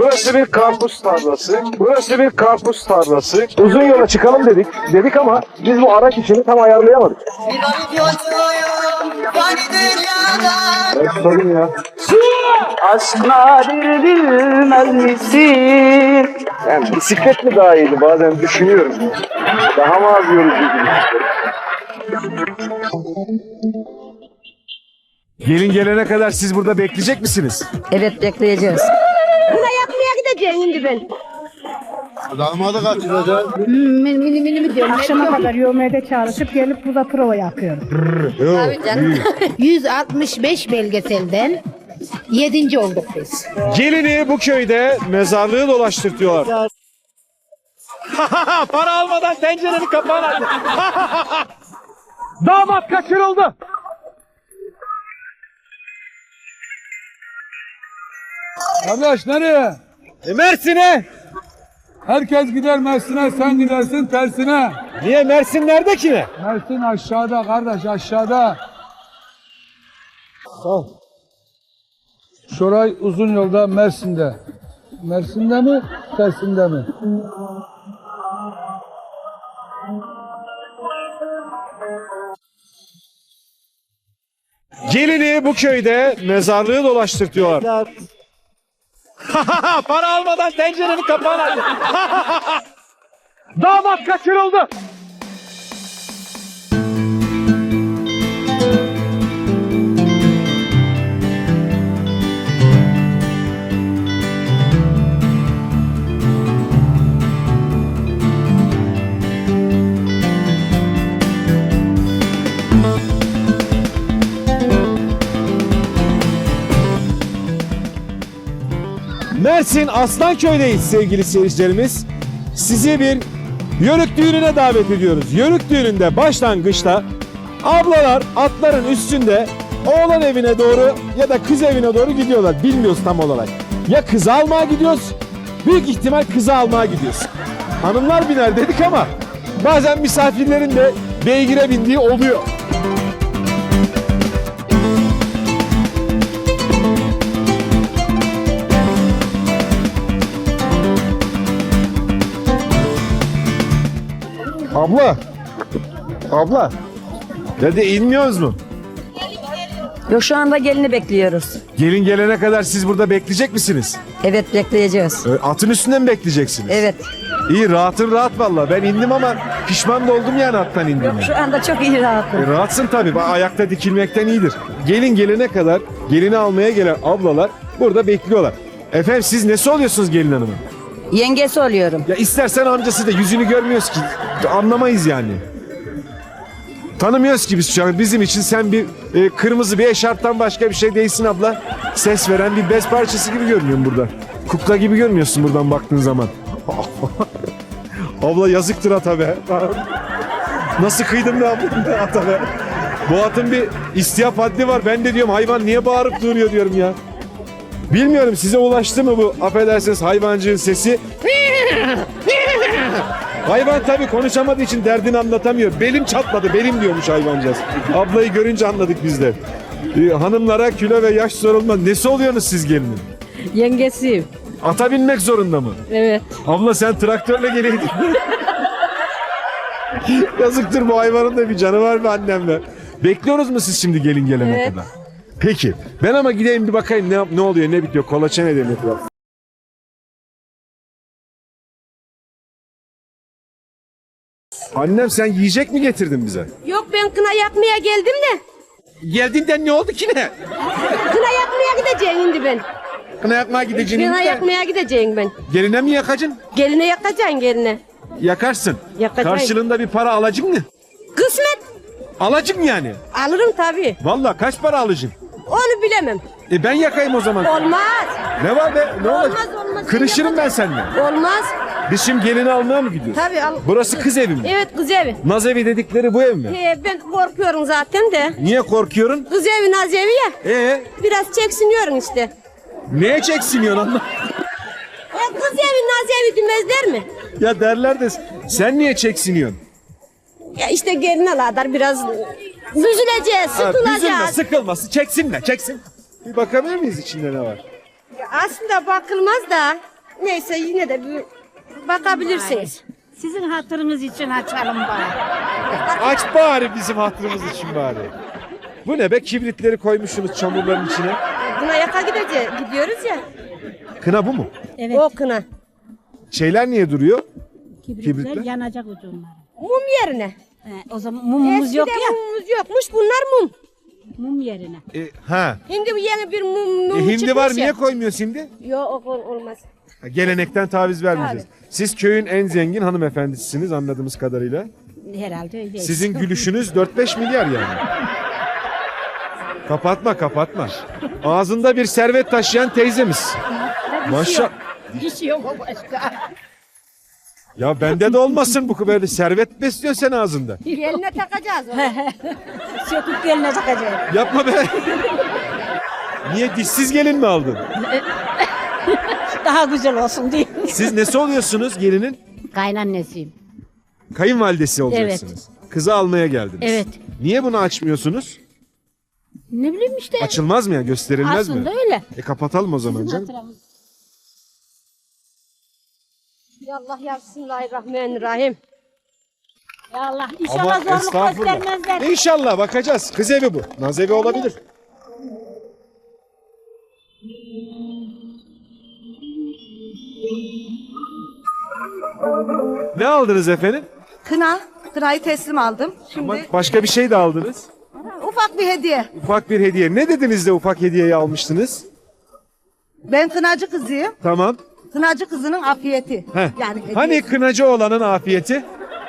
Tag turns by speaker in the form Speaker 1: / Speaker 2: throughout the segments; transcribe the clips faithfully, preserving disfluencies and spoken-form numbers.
Speaker 1: Burası bir karpuz tarlası. Burası bir karpuz tarlası. Uzun yola çıkalım dedik. Dedik ama biz bu araç işini tam ayarlayamadık. Ben tutarım ya.
Speaker 2: Aşk nadir bilmez misin?
Speaker 1: Yani bisiklet mi daha iyiydi bazen düşünüyorum. Daha mı az yorucu gibi. Gelin gelene kadar siz burada bekleyecek misiniz?
Speaker 3: Evet, bekleyeceğiz.
Speaker 4: Buna yakmaya gideceğim şimdi ben.
Speaker 5: Damadı kaçıracak.
Speaker 4: Hmm, mini mini mini mi diyorum?
Speaker 6: Akşama kadar yövmede çalışıp gelip burada prova yapıyorum.
Speaker 3: Tabii canım.
Speaker 4: yüz altmış beş belgeselden yedinci olduk biz.
Speaker 1: Gelini bu köyde mezarlığı dolaştırtıyorlar. Para almadan tencerenin kapağını açtı. Damat kaçırıldı.
Speaker 5: Kardeş nereye?
Speaker 1: E Mersin'e.
Speaker 5: Herkes gider Mersin'e, sen gidersin tersine.
Speaker 1: Niye Mersin nerede ki ne?
Speaker 5: Mersin aşağıda kardeş, aşağıda. Sağ. Şoray uzun yolda Mersin'de. Mersin'de mi, tersinde mi?
Speaker 1: Gelini bu köyde mezarlığı dolaştırtıyorlar. Para almadan tencerenin kapağını açtı. Damat kaçırıldı. Mersin Aslanköy'deyiz sevgili seyircilerimiz. Sizi bir yörük düğününe davet ediyoruz. Yörük düğününde başlangıçta ablalar atların üstünde oğlan evine doğru ya da kız evine doğru gidiyorlar. Bilmiyoruz tam olarak. Ya kızı almaya gidiyoruz, büyük ihtimal kızı almaya gidiyoruz. Hanımlar biner dedik ama bazen misafirlerin de beygire bindiği oluyor. Abla. Abla. Dedi inmiyoruz mu?
Speaker 3: Yok, şu anda gelini bekliyoruz.
Speaker 1: Gelin gelene kadar siz burada bekleyecek misiniz?
Speaker 3: Evet, bekleyeceğiz.
Speaker 1: Ee, Atın üstünde mi bekleyeceksiniz?
Speaker 3: Evet.
Speaker 1: İyi rahatın rahat valla. Ben indim ama pişman da oldum yani attan indiğime.
Speaker 3: Şu anda çok iyi rahatım.
Speaker 1: E, rahatsın tabii. Bak, ayakta dikilmekten iyidir. Gelin gelene kadar gelini almaya gelen ablalar burada bekliyorlar. Efendim siz nesi oluyorsunuz gelin hanımın?
Speaker 3: Yengesi oluyorum.
Speaker 1: Ya istersen amcası da yüzünü görmüyoruz ki. Anlamayız yani. Tanımıyoruz ki biz şu an. Bizim için sen bir e, kırmızı bir eşarptan başka bir şey değilsin abla. Ses veren bir bez parçası gibi görünüyorsun burada. Kukla gibi görmüyorsun buradan baktığın zaman. Abla yazıktır ata be. Nasıl kıydım be abla ata be. Bu atın bir istiyap haddi var. Ben de diyorum hayvan niye bağırıp duruyor diyorum ya. Bilmiyorum size ulaştı mı bu affedersiniz hayvancığın sesi? Hayvan tabii konuşamadığı için derdini anlatamıyor. Belim çatladı, belim diyormuş hayvancağız. Ablayı görünce anladık biz de. Ee, hanımlara kilo ve yaş sorulmaz. Nesi oluyorsunuz siz gelinin?
Speaker 3: Yengesiyim.
Speaker 1: Ata binmek zorunda mı?
Speaker 3: Evet.
Speaker 1: Abla sen traktörle geleydin. Yazıktır bu hayvanın da bir canı var mı annemle? Bekliyoruz mu siz şimdi gelin gelene
Speaker 3: Evet.
Speaker 1: kadar? Peki. Ben ama gideyim bir bakayım ne, ne oluyor ne bitiyor. Kolaçan edelim. Annem sen yiyecek mi getirdin bize?
Speaker 4: Yok, ben kına yakmaya geldim de.
Speaker 1: Geldiğinden ne oldu ki ne?
Speaker 4: Kına yakmaya gideceğim şimdi ben.
Speaker 1: Kına yakmaya gideceğini
Speaker 4: Kına
Speaker 1: de
Speaker 4: yakmaya gideceğim ben.
Speaker 1: geline mi yakacaksın?
Speaker 4: Geline yakacaksın geline.
Speaker 1: Yakarsın.
Speaker 4: Yakacağım.
Speaker 1: Karşılığında bir para alacak mı?
Speaker 4: Kısmet.
Speaker 1: Alacak mı yani?
Speaker 4: Alırım tabii.
Speaker 1: Vallahi kaç para alacaksın?
Speaker 4: Onu bilemem.
Speaker 1: E ben yakayım o zaman.
Speaker 4: Olmaz.
Speaker 1: Ne var be? Ne
Speaker 4: Olmaz,
Speaker 1: olacak?
Speaker 4: olmaz.
Speaker 1: Kırışırım ben seninle.
Speaker 4: Olmaz.
Speaker 1: Biz şimdi gelini almaya mı gidiyoruz?
Speaker 4: Tabii al.
Speaker 1: Burası kız evi mi?
Speaker 4: Evet, kız evi.
Speaker 1: Naz evi dedikleri bu ev mi?
Speaker 4: He, ben korkuyorum zaten de.
Speaker 1: Niye korkuyorsun?
Speaker 4: Kız evi, naz evi ya.
Speaker 1: Ee,
Speaker 4: Biraz çeksiniyorsun işte.
Speaker 1: neye çeksiniyorsun anla?
Speaker 4: E, kız evi, naz evi demezler mi?
Speaker 1: Ya derler de sen niye çeksiniyorsun?
Speaker 4: Ya işte gelin aladar biraz büzüleceğiz,
Speaker 1: Ha, üzülme,
Speaker 4: sıkılacağız.
Speaker 1: sıkılması çeksinler, çeksin. Bir bakabilir miyiz içinde ne var?
Speaker 4: Aslında bakılmaz da
Speaker 7: neyse yine de bir bakabilirsiniz.
Speaker 6: Sizin hatırınız için açalım bari.
Speaker 1: Aç bari bizim hatırımız için bari. Bu ne be? Kibritleri koymuşsunuz çamurların içine.
Speaker 7: Buna yaka gideceğiz, gidiyoruz ya.
Speaker 1: Kına bu mu?
Speaker 6: Evet.
Speaker 7: O kına.
Speaker 1: Şeyler niye duruyor?
Speaker 6: Kibritler,
Speaker 1: Kibritler?
Speaker 6: yanacak ucunlar.
Speaker 7: Mum yerine.
Speaker 6: He, o zaman mumumuz
Speaker 7: Eskiden
Speaker 6: yok ya.
Speaker 7: mumumuz yokmuş, bunlar mum.
Speaker 6: Mum yerine.
Speaker 1: E, ha.
Speaker 7: Şimdi bu yeni bir mum, mum
Speaker 1: E, hindi
Speaker 7: çıkmış
Speaker 1: var
Speaker 7: ya.
Speaker 1: niye koymuyorsun şimdi?
Speaker 7: Yok ol- olmaz.
Speaker 1: Ha, gelenekten taviz vermeyeceğiz. Siz köyün en zengin hanımefendisisiniz anladığımız kadarıyla.
Speaker 6: Herhalde öyle.
Speaker 1: Sizin gülüşünüz dört beş milyar yani. Kapatma kapatma. Ağzında bir servet taşıyan teyzemiz. Maşallah.
Speaker 6: Dişi yok başka.
Speaker 1: Ya bende de olmasın bu böyle servet besliyorsun sen ağzında.
Speaker 7: Geline takacağız onu.
Speaker 6: Söküp geline takacağım.
Speaker 1: Yapma be. Niye dişsiz gelin mi aldın?
Speaker 6: Daha güzel olsun diye.
Speaker 1: Siz nesi oluyorsunuz gelinin?
Speaker 6: Kaynannesiyim.
Speaker 1: Kayınvalidesi olacaksınız. Kızı almaya geldiniz.
Speaker 6: Evet.
Speaker 1: Niye bunu açmıyorsunuz?
Speaker 6: Ne bileyim işte.
Speaker 1: Açılmaz mı ya? Gösterilmez
Speaker 6: Aslında
Speaker 1: mi?
Speaker 6: öyle.
Speaker 1: E kapatalım o zaman canım.
Speaker 7: Ya Allah ya Bismillahirrahmanirrahim.
Speaker 6: Ya Allah
Speaker 1: Ama
Speaker 6: inşallah zorluk
Speaker 1: estağfurullah.
Speaker 6: göstermezler.
Speaker 1: İnşallah bakacağız. Kız evi bu. Naz evi olabilir. Ne aldınız efendim?
Speaker 8: Kına, kınayı teslim aldım. Şimdi
Speaker 1: Ama başka bir şey de aldınız.
Speaker 8: ufak bir hediye.
Speaker 1: Ufak bir hediye. Ne dediniz de ufak hediyeyi almıştınız?
Speaker 8: Ben kınacı kızıyım.
Speaker 1: Tamam.
Speaker 8: Kınacı kızının afiyeti.
Speaker 1: Heh.
Speaker 8: Yani hediyesi.
Speaker 1: Hani kınacı olanın afiyeti?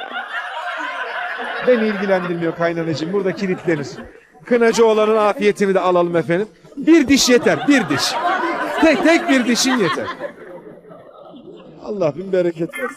Speaker 1: Beni ilgilendirmiyor kaynanacığım. Burada kilitlenir. Kınacı olanın afiyetini de alalım efendim. Bir diş yeter. Bir diş. Tek tek bir dişin yeter. Allah bin bereket versin.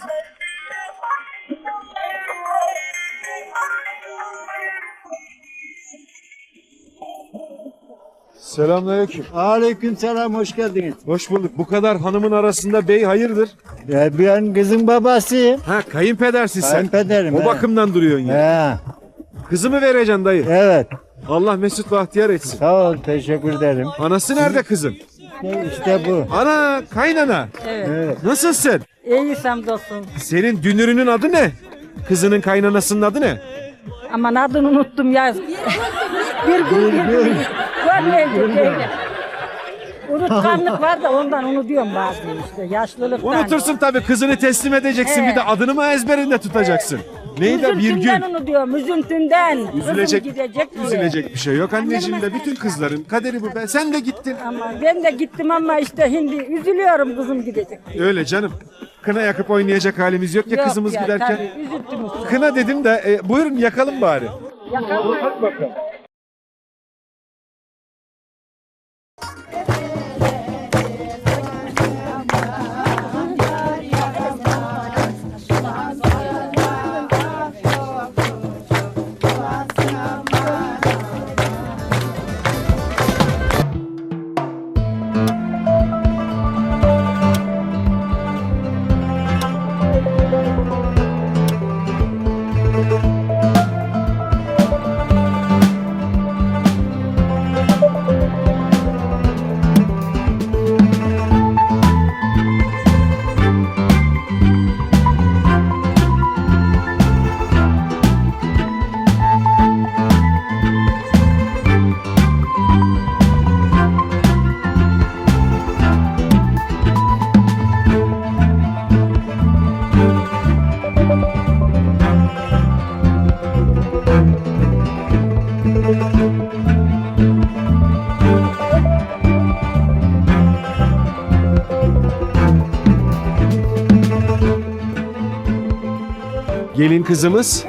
Speaker 1: Selamünaleyküm.
Speaker 9: Aleykümselam, hoş geldiniz.
Speaker 1: Hoş bulduk. Bu kadar hanımın arasında bey hayırdır?
Speaker 9: Ya ben kızın babasıyım.
Speaker 1: Ha kayınpedersin sen.
Speaker 9: Kayınpederim,
Speaker 1: O
Speaker 9: he.
Speaker 1: bakımdan duruyorsun ya.
Speaker 9: He,
Speaker 1: Kızımı vereceksin dayı.
Speaker 9: evet.
Speaker 1: Allah mesut bahtiyar etsin.
Speaker 9: Sağ ol, teşekkür ederim.
Speaker 1: Anası nerede kızın?
Speaker 9: İşte, işte bu.
Speaker 1: Ana kaynana.
Speaker 9: Evet.
Speaker 1: Nasılsın?
Speaker 6: İyi dostum.
Speaker 1: Senin dünürünün adı ne? Kızının kaynanasının adı ne?
Speaker 6: Aman adını unuttum ya. bir gün bir gün. Görmeyecek öyle. Unutkanlık var da ondan unutuyorum bazen işte. Yaşlılıktan.
Speaker 1: Unutursun tabii kızını teslim edeceksin
Speaker 6: Evet.
Speaker 1: bir de adını mı ezberinde tutacaksın? Neydi bir
Speaker 6: Üzüntümden
Speaker 1: gün?
Speaker 6: unutuyorum, üzüntümden.
Speaker 1: Üzülecek,
Speaker 6: Kızım gidecek diye.
Speaker 1: üzülecek bir şey yok anneciğim de bütün kızların kaderi bu be. Sen de gittin.
Speaker 6: Ama ben de gittim ama işte şimdi üzülüyorum kızım gidecek.
Speaker 1: Öyle canım. Kına yakıp oynayacak halimiz yok ya
Speaker 6: Yok
Speaker 1: kızımız
Speaker 6: ya,
Speaker 1: giderken.
Speaker 6: tabii, üzüntümüz.
Speaker 1: Kına dedim de e, buyurun yakalım bari.
Speaker 6: Yakalım.
Speaker 1: Hadi bakalım. Gelin kızımız.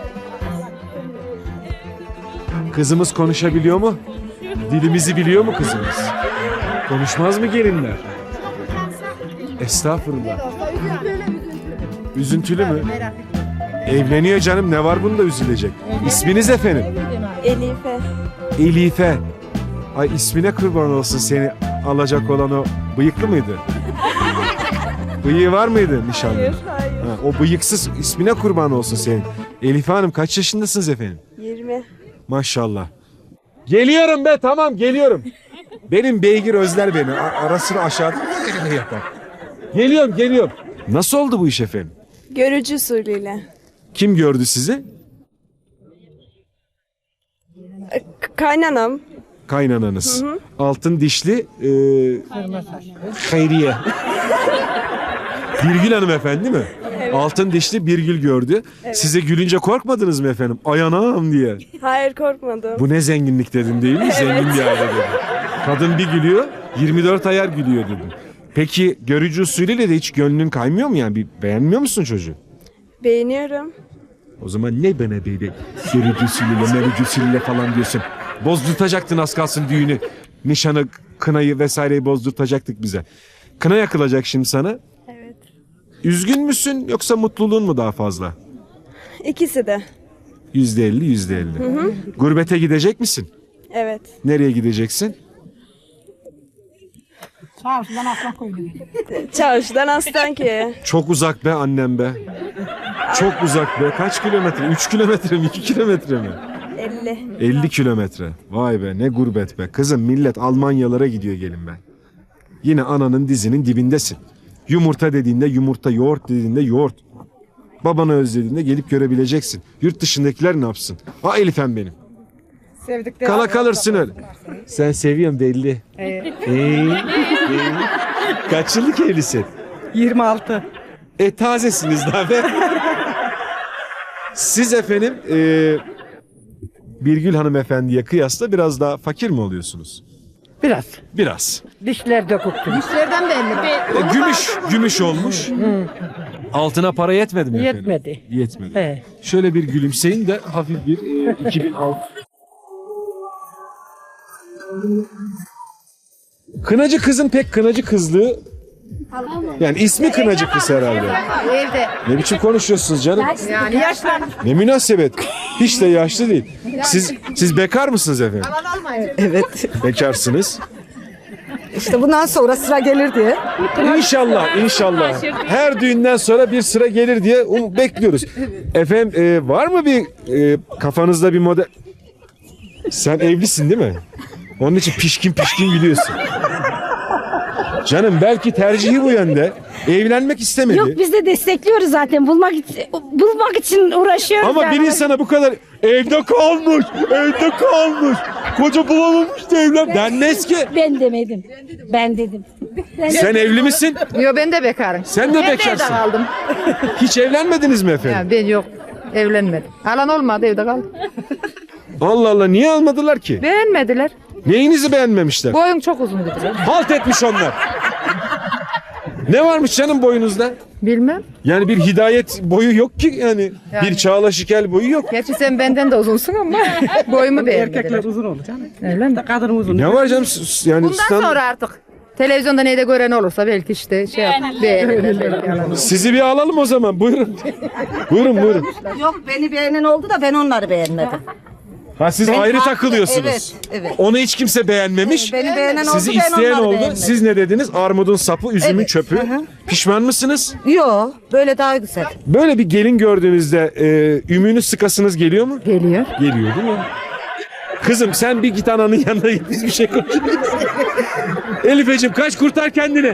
Speaker 1: Kızımız konuşabiliyor mu? Dilimizi biliyor mu kızımız? Konuşmaz mı gelinler? Estağfurullah. Üzüntülü mü? Evleniyor canım, ne var bunda üzülecek? İsminiz efendim?
Speaker 7: Elife.
Speaker 1: Elife. Ay ismine kurban olsun seni alacak olan o bıyıklı mıydı? Bıyığı var mıydı nişanlı?
Speaker 7: Hayır, hayır.
Speaker 1: Ha, o bıyıksız ismine kurban olsun senin. Elife Hanım kaç yaşındasınız efendim?
Speaker 7: yirmi.
Speaker 1: Maşallah. Geliyorum be, tamam geliyorum. Benim beygir özler beni. A- ara sıra aşağıda yapar. Geliyorum, geliyorum. Nasıl oldu bu iş efendim?
Speaker 7: Görücü usulüyle.
Speaker 1: Kim gördü sizi?
Speaker 7: K- kaynanam.
Speaker 1: Kaynananız. Altın dişli e, Hayriye. Birgül hanımefendi mi? Altın dişli Birgül gördü. Size gülünce korkmadınız mı efendim? Ay anam diye.
Speaker 7: Hayır, korkmadım.
Speaker 1: Bu ne zenginlik dedim değil mi? Zengin bir aile dedim. Kadın bir gülüyor, yirmi dört ayar gülüyor dedim. Peki görücü usulüyle de hiç gönlün kaymıyor mu yani? Bir beğenmiyor musun çocuğu?
Speaker 7: Beğeniyorum.
Speaker 1: O zaman ne bana böyle görücü usulüyle, merücü usulüyle falan diyorsun? Bozdurtacaktın az kalsın düğünü. Nişanı, kınayı vesaireyi bozdurtacaktık bize. Kına yakılacak şimdi sana.
Speaker 7: Evet.
Speaker 1: Üzgün müsün yoksa mutluluğun mu daha fazla?
Speaker 7: İkisi de.
Speaker 1: Yüzde elli, yüzde elli. Gurbete gidecek misin?
Speaker 7: Evet.
Speaker 1: Nereye gideceksin?
Speaker 7: Çarşıdan Aslanköye.
Speaker 1: Çok uzak be annem be. Çok uzak be. Kaç kilometre? Üç kilometre mi? iki kilometre mi?
Speaker 7: elli.
Speaker 1: elli kilometre. Vay be ne gurbet be. Kızım millet Almanyalara gidiyor gelin be. Yine ananın dizinin dibindesin. Yumurta dediğinde yumurta, yoğurt dediğinde yoğurt. Babanı özlediğinde gelip görebileceksin. Yurt dışındakiler ne yapsın? Ha Elif'em benim. Kala kalırsın öyle. Sen seviyorsun belli. Evet. Ee, Kaç yıllık evlisin?
Speaker 6: yirmi altı.
Speaker 1: E tazesiniz daha be. Siz efendim e, Birgül hanımefendiye kıyasla biraz daha fakir mi oluyorsunuz?
Speaker 6: Biraz.
Speaker 1: Biraz.
Speaker 6: Dişler döküktü.
Speaker 8: Dişlerden beğendim.
Speaker 1: E, gümüş, gümüş olmuş. Altına para yetmedi mi efendim?
Speaker 6: Yetmedi.
Speaker 1: Yetmedi.
Speaker 6: He.
Speaker 1: Şöyle bir gülümseyin de hafif bir e, iki bin altı. Kınacı kızın pek kınacı kızlığı, yani ismi kınacı kız herhalde.
Speaker 8: Evde.
Speaker 1: Ne biçim konuşuyorsunuz canım?
Speaker 8: Yani yaşlanmış.
Speaker 1: Ne münasebet. Hiç de yaşlı değil. Siz siz bekar mısınız efendim?
Speaker 6: Evet.
Speaker 1: Bekarsınız.
Speaker 6: İşte bundan sonra sıra gelir diye.
Speaker 1: İnşallah, inşallah. Her düğünden sonra bir sıra gelir diye um, bekliyoruz. Efendim e, var mı bir e, kafanızda bir model? Sen evlisin değil mi? Onun için pişkin pişkin gülüyorsun. Canım belki tercihi bu yönde. Evlenmek istemedi.
Speaker 3: Yok biz de destekliyoruz zaten. Bulmak için, bulmak için uğraşıyoruz.
Speaker 1: Ama
Speaker 3: yani.
Speaker 1: bir insana bu kadar evde kalmış, evde kalmış. Koca bulamamış da evlen. Denmez ki.
Speaker 3: Ben demedim. Ben dedim. Ben
Speaker 1: Sen evli misin?
Speaker 8: Yo ben de bekarım.
Speaker 1: Sen de bekarsın.
Speaker 8: kaldım.
Speaker 1: Hiç evlenmediniz mi efendim?
Speaker 8: Ben yok. Evlenmedim. Alan olmadı evde kaldım.
Speaker 1: Allah Allah niye almadılar ki?
Speaker 8: Beğenmediler.
Speaker 1: Neyinizi beğenmemişler?
Speaker 8: Boyum çok uzun dediler.
Speaker 1: Halt etmiş onlar. Ne varmış canım boyunuzda?
Speaker 8: Bilmem.
Speaker 1: Yani bir hidayet boyu yok ki yani. Bir Çağla Şikel boyu yok.
Speaker 8: Gerçi sen benden de uzunsun ama boyumu beğenmediler.
Speaker 6: Erkekler uzun olur canım.
Speaker 8: Öyle mi?
Speaker 6: Kadın uzun.
Speaker 1: Ne var canım s- yani
Speaker 8: Bundan
Speaker 1: stand-
Speaker 8: sonra artık televizyonda neyde gören olursa belki işte şey yap, beğenirler. belki yalan.
Speaker 1: sizi bir alalım o zaman buyurun. buyurun buyurun.
Speaker 8: Yok beni beğenen oldu da ben onları beğenmedim.
Speaker 1: Ha siz
Speaker 8: Ben
Speaker 1: ayrı
Speaker 8: farklı-
Speaker 1: takılıyorsunuz.
Speaker 8: evet, evet.
Speaker 1: Onu hiç kimse beğenmemiş.
Speaker 8: Beni beğenen oldu,
Speaker 1: Sizi
Speaker 8: ben
Speaker 1: isteyen
Speaker 8: onları
Speaker 1: oldu.
Speaker 8: beğenmedim.
Speaker 1: Siz ne dediniz? Armudun sapı, üzümün
Speaker 8: Evet,
Speaker 1: çöpü.
Speaker 8: hı hı.
Speaker 1: Pişman mısınız?
Speaker 8: Yok böyle daha güzel.
Speaker 1: Böyle bir gelin gördüğünüzde e, ümünü sıkasınız geliyor mu?
Speaker 8: Geliyor.
Speaker 1: Geliyor değil mi? Kızım sen bir git ananın yanına git biz bir şey konuşalım. Elifeciğim kaç kurtar kendini.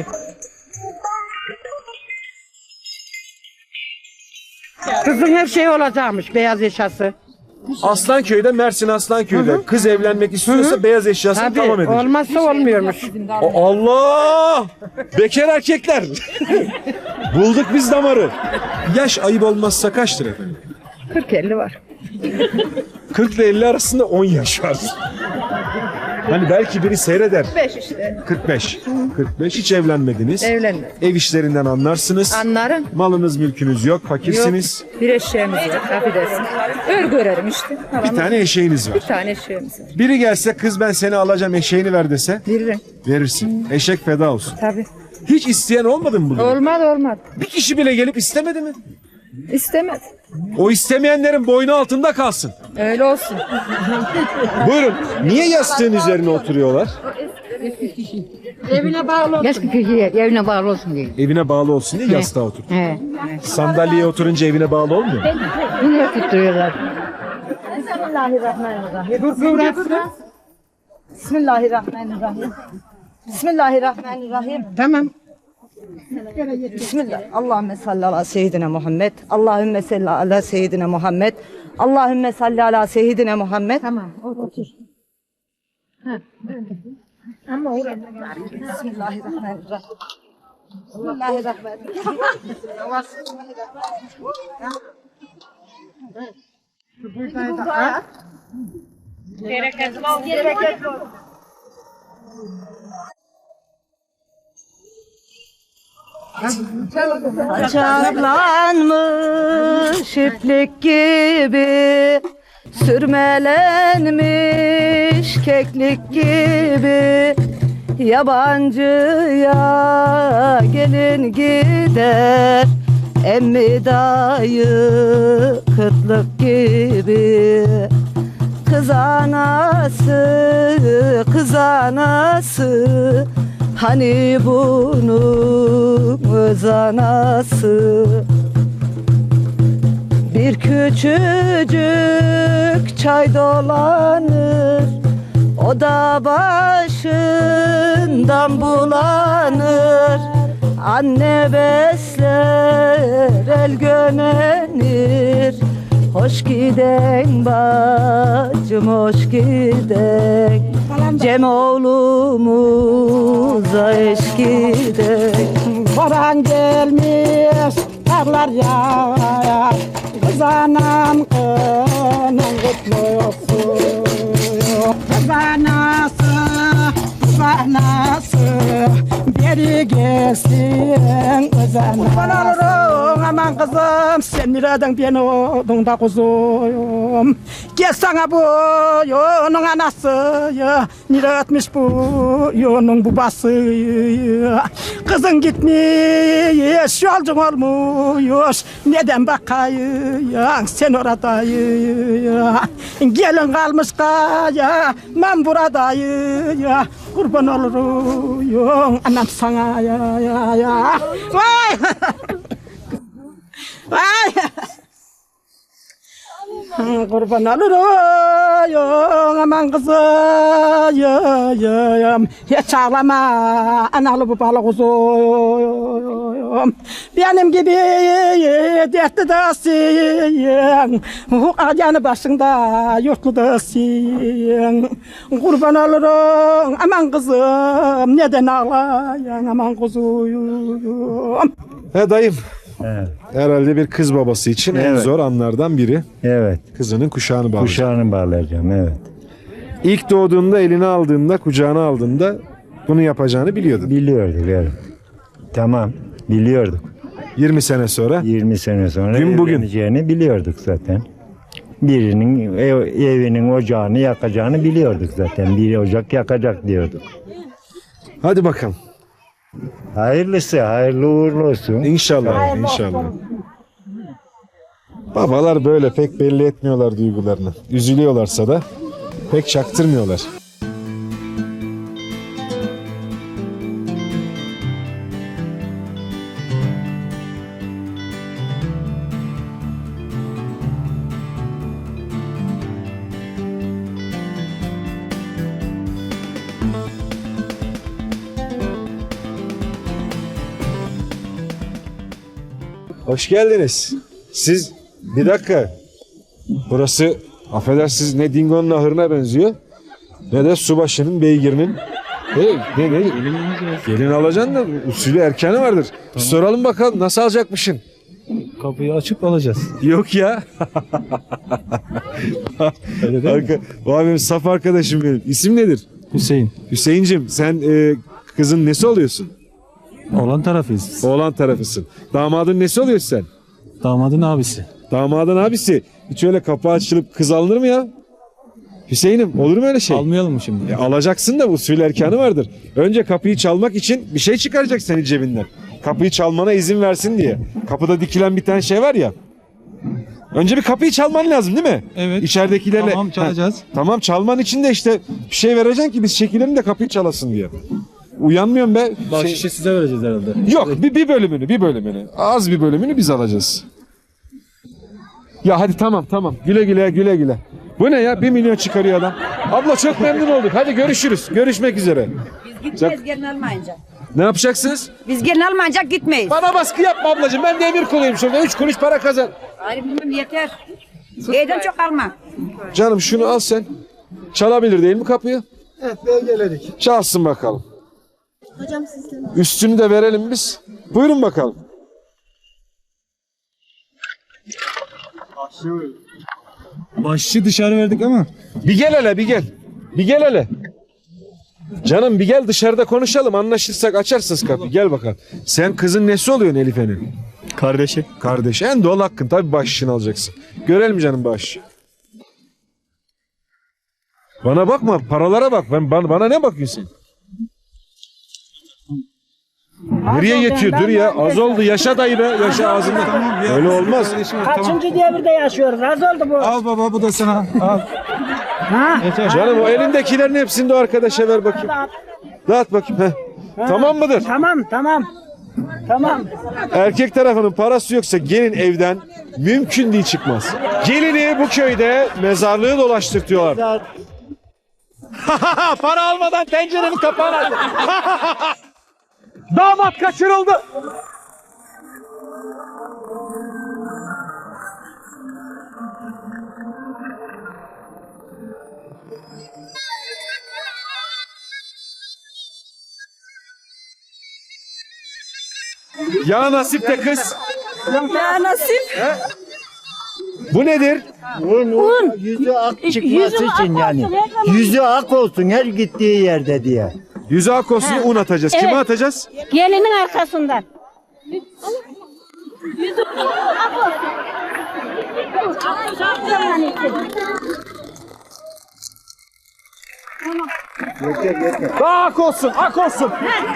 Speaker 6: Kızın her şeyi olacakmış. Beyaz eşyası.
Speaker 1: Aslanköy'de, Mersin Aslanköy'de kız evlenmek istiyorsa beyaz eşyasını
Speaker 6: Tabii
Speaker 1: tamam edecek.
Speaker 6: olmazsa olmuyormuş.
Speaker 1: O- Allah! Bekar erkekler. Bulduk biz damarı. Yaş ayıp olmazsa kaçtır efendim?
Speaker 6: kırk elli var.
Speaker 1: kırk ile elli arasında on yaş var. Hani belki biri seyreder.
Speaker 8: kırk beş işte.
Speaker 1: kırk beş. kırk beş hiç evlenmediniz.
Speaker 8: Evlenmedim.
Speaker 1: Ev işlerinden anlarsınız.
Speaker 8: Anlarım.
Speaker 1: Malınız mülkünüz yok, fakirsiniz.
Speaker 8: Yok. Bir eşeğimiz yok. Affedersin. Örgü örerim işte.
Speaker 1: Bir tane eşeğiniz var.
Speaker 8: Bir tane eşeğimiz var.
Speaker 1: Biri gelse kız ben seni alacağım eşeğini ver dese
Speaker 8: Veririm.
Speaker 1: verirsin. Eşek feda olsun.
Speaker 8: Tabii.
Speaker 1: Hiç isteyen olmadı mı bunu?
Speaker 8: Olmadı olmadı.
Speaker 1: Bir kişi bile gelip istemedi mi?
Speaker 8: İstemedi.
Speaker 1: O istemeyenlerin boynu altında kalsın.
Speaker 8: Öyle olsun.
Speaker 1: Buyurun. Niye yastığın üzerine oturuyorlar?
Speaker 8: Eski kişi evine bağlı olsun diye.
Speaker 1: Evine bağlı olsun diye yastığa otur.
Speaker 8: He.
Speaker 1: Sandalyeye oturunca evine bağlı olmuyor mu?
Speaker 8: Bunu tutturuyorlar. Bismillahirrahmanirrahim. Bismillahirrahmanirrahim.
Speaker 6: Tamam.
Speaker 3: Bismillah. Allahümme salli ala seyyidina Muhammed. Allahümme salli ala seyyidina Muhammed. Allahümme salli ala seyyidina Muhammed. Tamam. Otur. Ama Bismillahirrahmanirrahim. Bismillahirrahmanirrahim. Çaplanmış iplik gibi, sürmelenmiş keklik gibi, yabancıya gelin gider, emmi dayı kıtlık gibi. Kız anası, kız anası, hani bunun öz anası. Bir küçücük çay dolanır, o da başından bulanır. Anne besler, el gömenir. Hoş giden bacım, hoş giden. Cem oğlumuza eş giden.
Speaker 6: Boran gelmiş, karlar yağar. Kız anam kının kutlu olsun. Kız anası, kız anası, beri gelsin kız anası. Kurban olurum aman kızım, sen nereden beni oldun da kuzuyum. Gel sana bu yunun anası, nere etmiş bu yunun babası. Kızın gitmiş, yolcun olmuş, neden bakayım sen oradayım. Gelin kalmış kaya, ben buradayım. Kurban olurum anam sana ya ya ya. Vay! Vay! Kurban olurum aman kızım, hiç ağlama analı babalı kuzum. Benim gibi dertli değilsin, yanı başında yurtlu değilsin. Kurban olurum aman kızım, neden ağlayan aman kuzum.
Speaker 1: He dayım.
Speaker 9: Evet.
Speaker 1: Herhalde bir kız babası için en
Speaker 9: Evet.
Speaker 1: zor anlardan biri.
Speaker 9: Evet.
Speaker 1: Kızının kuşağını bağlayacak.
Speaker 9: Kuşağını bağlayacağım, evet.
Speaker 1: İlk doğduğunda eline aldığında, kucağına aldığında bunu yapacağını biliyordun.
Speaker 9: Biliyorduk, evet. Tamam, biliyorduk.
Speaker 1: yirmi sene sonra
Speaker 9: yirmi sene sonra
Speaker 1: Gün bugün.
Speaker 9: evleneceğini biliyorduk zaten. Birinin ev, evinin ocağını yakacağını biliyorduk zaten. Bir ocak yakacak diyorduk.
Speaker 1: hadi bakalım.
Speaker 9: Hayırlısı, hayırlı uğurlu olsun.
Speaker 1: İnşallah, inşallah. Babalar böyle pek belli etmiyorlar duygularını. Üzülüyorlarsa da pek çaktırmıyorlar. Hoş geldiniz. Siz bir dakika. Burası affedersiniz ne Dingo'nun ahırına benziyor ne de subaşının beygirinin. Hey, ne, ne? Gelin alacaksın da usulü erkanı vardır. Bir soralım bakalım nasıl alacakmışsın?
Speaker 10: Kapıyı açıp alacağız.
Speaker 1: Yok ya.
Speaker 10: Öyle değil mi?
Speaker 1: Arka, o benim saf arkadaşım benim. İsim nedir?
Speaker 10: Hüseyin.
Speaker 1: Hüseyincim sen e, kızın nesi oluyorsun?
Speaker 10: Oğlan tarafıyız.
Speaker 1: Oğlan tarafısın. Damadın nesi oluyorsun sen?
Speaker 10: Damadın abisi.
Speaker 1: Damadın abisi. Hiç öyle kapı açılıp kız alınır mı ya? Hüseyin'im olur mu öyle şey?
Speaker 10: Almayalım mı şimdi?
Speaker 1: E, alacaksın da usul erkanı vardır. Önce kapıyı çalmak için bir şey çıkaracak senin cebinden. Kapıyı çalmana izin versin diye. Kapıda dikilen bir tane şey var ya. Önce bir kapıyı çalman lazım değil mi?
Speaker 10: Evet.
Speaker 1: İçeridekilerle.
Speaker 10: Tamam, çalacağız.
Speaker 1: Ha, tamam çalman için de işte bir şey vereceksin ki biz çekilelim de kapıyı çalasın diye. Uyanmıyorum be.
Speaker 10: Bahşişi
Speaker 1: Şey-
Speaker 10: size vereceğiz herhalde.
Speaker 1: Yok bir, bir bölümünü bir bölümünü. Az bir bölümünü biz alacağız. Ya hadi tamam tamam. Güle güle güle güle. Bu ne ya? Bir milyon çıkarıyor adam. Abla çok memnun olduk. Hadi görüşürüz. Görüşmek üzere.
Speaker 3: Biz gideceğiz gelin almayınca.
Speaker 1: Ne yapacaksınız?
Speaker 3: Biz gelin almayacak gitmeyiz.
Speaker 1: Bana baskı yapma ablacığım. Ben de emir kuluyum şurada. Üç kuruş para kazan.
Speaker 3: Hayır bilmem yeter. Evden çok alma.
Speaker 1: Canım şunu al sen. Çalabilir değil mi kapıyı?
Speaker 5: Evet belgeledik.
Speaker 1: Çalsın bakalım. Hocam sizden. Üstünü de verelim biz. Buyurun bakalım.
Speaker 10: Başçı dışarı verdik ama.
Speaker 1: Bir gel hele bir gel. Bir gel hele. Canım bir gel dışarıda konuşalım. Anlaşırsak açarsınız kapıyı. Gel bakalım. Sen kızın nesi oluyorsun Elife'nin?
Speaker 10: Kardeşi.
Speaker 1: Kardeş. En doğal hakkın. Tabii bahşişini alacaksın. Görelim canım bahşişi. Bana bakma. Paralara bak. Ben bana, bana ne bakıyorsun sen? Nereye yetiyor? Dur ya. Az oldu. Yaşa dayı be. Yaşa ağzında. Öyle olmaz.
Speaker 6: Kaçıncı devirde yaşıyoruz? Az oldu bu.
Speaker 10: Al baba bu da sana. Al.
Speaker 1: Canım o elindekilerin hepsini de o arkadaşa ver bakayım. Dağıt bakayım. Heh. Tamam mıdır?
Speaker 6: Tamam tamam. Tamam.
Speaker 1: Erkek tarafının parası yoksa gelin evden mümkün değil çıkmaz. Gelini bu köyde mezarlığı dolaştırtıyorlar. Para almadan tencerenin kapağını aç. Damat kaçırıldı. Ya nasip de kız.
Speaker 7: Ya nasip.
Speaker 1: Bu nedir?
Speaker 9: Un, un. Yüzü ak çıkması için yani. Yüzü ak olsun her gittiği yerde diye.
Speaker 1: Yüzü ak olsun un atacağız. Kime atacağız?
Speaker 6: Gelinin arkasından.
Speaker 1: Daha ak olsun, ak olsun.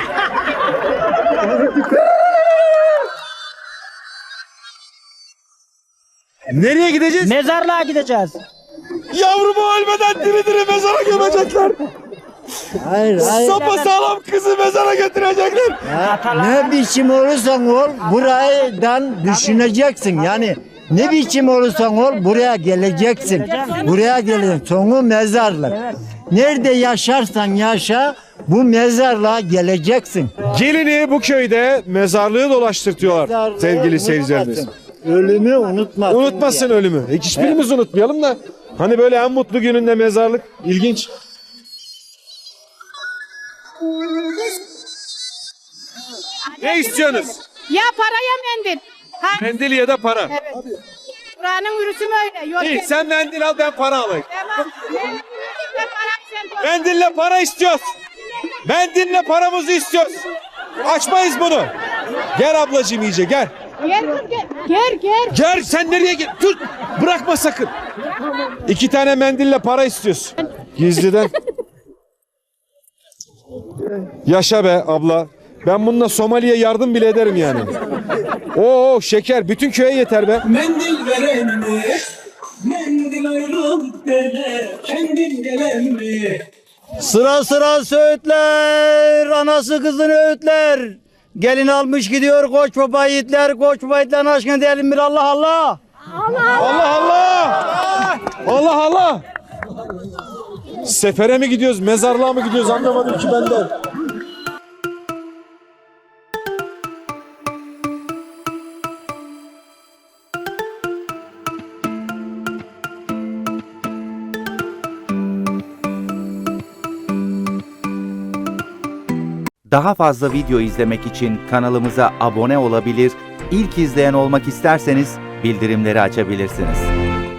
Speaker 1: Nereye gideceğiz?
Speaker 6: Mezarlığa gideceğiz.
Speaker 1: Yavrumu ölmeden diri diri mezara gömecekler.
Speaker 9: Hayır hayır.
Speaker 1: Sapa sağlam kızı mezara götürecekler.
Speaker 9: Ne biçim olursan ol buradan düşüneceksin yani. Ne biçim olursan ol buraya geleceksin. Buraya geleceksin. Sonu mezarlık. Nerede yaşarsan yaşa bu mezarlığa geleceksin.
Speaker 1: Gelini bu köyde mezarlığı dolaştırtıyorlar sevgili seyircilerimiz.
Speaker 9: Ölümü unutmasın.
Speaker 1: Unutmasın ölümü. E, hiçbirimiz unutmayalım da. Hani böyle en mutlu gününde mezarlık. İlginç. Ne istiyorsunuz?
Speaker 4: Ya paraya mendil. Ha,
Speaker 1: Mendil ya da para.
Speaker 4: buranın ürüsü öyle. Yok.
Speaker 1: İyi sen mendil al ben para alayım.
Speaker 4: Tamam. Mendille parayı sen koy.
Speaker 1: Mendille para istiyoruz. Mendille paramızı istiyoruz. Açmayız bunu. Gel ablacığım iyice gel.
Speaker 4: Gel kız gel. Gel gel.
Speaker 1: Gel sen nereye gel? Dur bırakma sakın. İki tane mendille para istiyoruz. Gizliden. Yaşa be abla. Ben bununla Somali'ye yardım bile ederim yani. Oo şeker bütün köye yeter be.
Speaker 2: Mendil veren mi? Mendil ayrılık dene. Kendin gelen mi?
Speaker 5: Sıra sıra söğütler, anası kızını öğütler. Gelin almış gidiyor koç baba yiğitler, koç baba yiğitlerin aşkına diyelim bir Allah Allah.
Speaker 1: Allah Allah. Allah Allah. Sefere mi gidiyoruz, mezarlığa mı gidiyoruz anlamadım ki ben de.
Speaker 11: Daha fazla video izlemek için kanalımıza abone olabilir, ilk izleyen olmak isterseniz bildirimleri açabilirsiniz.